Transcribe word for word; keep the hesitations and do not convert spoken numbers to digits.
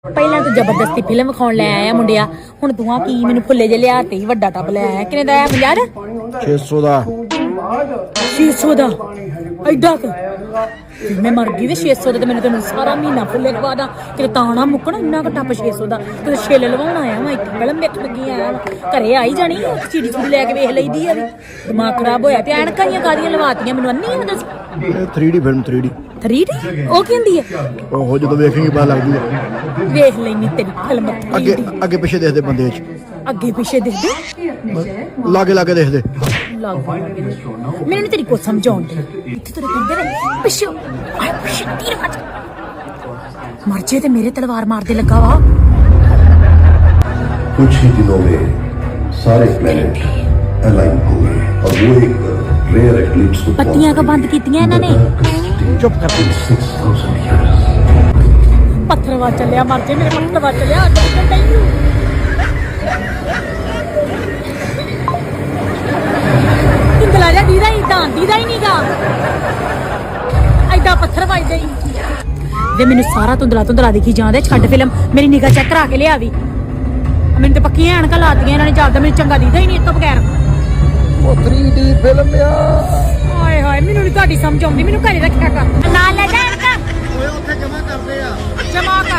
ਪਹਿਲਾਂ ਤਾਂ ਜ਼ਬਰਦਸਤੀ ਫਿਲਮ ਵਿਖਾਉਣ ਲੈ ਆਇਆ ਮੁੰਡਿਆ, ਹੁਣ ਤੂੰ ਆ ਕੀ ਮੈਨੂੰ ਫੁੱਲੇ ਜੇ ਲਿਆ ਤੇ ਵੱਡਾ ਟੱਬ ਲੈ ਆਇਆ। ਕਿੰਨੇ ਦਾ ਆਇਆ? ਪੰਜਾਹ ਦਾ ਛੇ ਸੌ ਦਾ ਛੇ ਸੌ ਦਾ ਐਡਾ ਕੁ ਮੈਂ ਮਰ ਗਈ। ਛੇ ਸੌ ਦਾ ਤੇ ਮੈਨੂੰ ਤੈਨੂੰ ਸਾਰਾ ਮਹੀਨਾ ਫੁੱਲੇ ਖਵਾ ਦਾਂ ਕਿਤੇ ਤਾਂ ਨਾ ਮੁੱਕਣਾ। ਇੰਨਾ ਕੁ ਟੱਪ ਛੇ ਸੌ ਦਾ ਤੇ ਛਿੱਲ ਲਵਾਉਣ ਆਇਆ ਮੈਂ ਇੱਥੇ ਫਿਲਮ ਵੇਖਣ ਲੱਗੀ ਆਇਆ ਘਰੇ ਆਈ ਜਾਣੀ ਚੀੜੀ ਚੂੜੀ ਲੈ ਕੇ ਵੇਖ ਲਈਦੀ ਆ ਵੀ ਦਿਮਾਗ ਖਰਾਬ ਹੋਇਆ ਤੇ ਐਨਕਾਂ ਦੀਆਂ ਕਾਦੀਆਂ ਲਵਾਤੀਆਂ ਮੈਨੂੰ ਅੰਨੀ ਆ ਦੱਸ। ਇਹ three D film three D three D ਉਹ ਕੀ ਹੁੰਦੀ ਹੈ? ਉਹ ਜਦੋਂ ਵੇਖੇਂਗੇ ਪਤਾ ਲੱਗ ਜੂਗਾ। ਵੇਖ ਲੈਣੀ ਤੇਰੀ ਫਿਲਮ ਅੱਗੇ ਅੱਗੇ ਪਿੱਛੇ ਦੇਖਦੇ ਬੰਦੇ ਵਿੱਚ ਅੱਗੇ ਪਿੱਛੇ ਦੇਖਦੇ ਲਾਗੇ ਲਾਗੇ ਦੇਖਦੇ ਮੈਨੂੰ ਨੀ ਤੇਰੀ ਕੁਛ ਸਮਝਾਉਣ ਦੇ। ਇੱਥੇ ਤੇਰੇ ਕਹਿੰਦੇ ਨੇ ਪਿੱਛੇ ਆਏ ਪਿੱਛੇ ਤੀਰ ਵੱਜ ਮਰ ਜੇ ਤੇ ਮੇਰੇ ਤਲਵਾਰ ਮਾਰਦੇ ਲੱਗਾ ਵਾ। कुछ ही दिनों में सारे प्लेनेट अलाइन होंगे और वो एक रेयर एक्लिप्स को पत्तियां का बंद कीतियां ਇਹਨਾਂ ਨੇ। ਚੁੱਪ ਕਰ सिक्स थाउजेंड ईयर्स ਪੱਥਰ ਵਾ ਚੱਲਿਆ ਮਰ ਜੇ ਮੇਰੇ ਪੱਥਰ ਵਾ ਚੱਲਿਆ ਅੱਗੇ ਨਹੀਂ ਇੰਦਲਾ ਜਾ ਦੀਦਾ ਹੀ ਤਾਂ ਦੀਦਾ ਹੀ ਨਹੀਂਗਾ ਐਡਾ ਪੱਥਰ ਵੱਜਦੇ ਹੀ ਵੇ ਮੈਨੂੰ ਸਾਰਾ ਧੁੰਦਲਾ ਧੁੰਦਲਾ ਦਿਖੀ ਜਾਂਦੇ। ਛੱਡ ਫਿਲਮ ਮੇਰੀ ਨਿਗਾਹ ਚੈੱਕ ਕਰਾ ਕੇ ਲਿਆ ਵੀ ਮੈਨੂੰ ਤੇ ਪੱਕੀਆਂ ਐਨਕਾਂ ਲਾਤੀਆਂ ਇਹਨਾਂ ਨੇ ਜਾਂਦਾ ਮੈਨੂੰ ਚੰਗਾ ਦੀਦਾ ਹੀ ਨਹੀਂ ਇਸ ਤੋਂ ਬਗੈਰ। ਉਹ ਥ੍ਰੀ ਡੀ ਫਿਲਮ ਆ ਹਾਏ ਹਾਏ ਮੈਨੂੰ ਨਹੀਂ ਤੁਹਾਡੀ ਸਮਝ ਆਉਂਦੀ ਮੈਨੂੰ ਘਰੇ ਰੱਖਿਆ ਕਰ ਨਾਲ ਲੈ ਜਾ ਐਨਕਾਂ ਓਏ ਉੱਥੇ ਜਮਾ ਕਰਦੇ ਆ ਜਮਾ ਕਰ।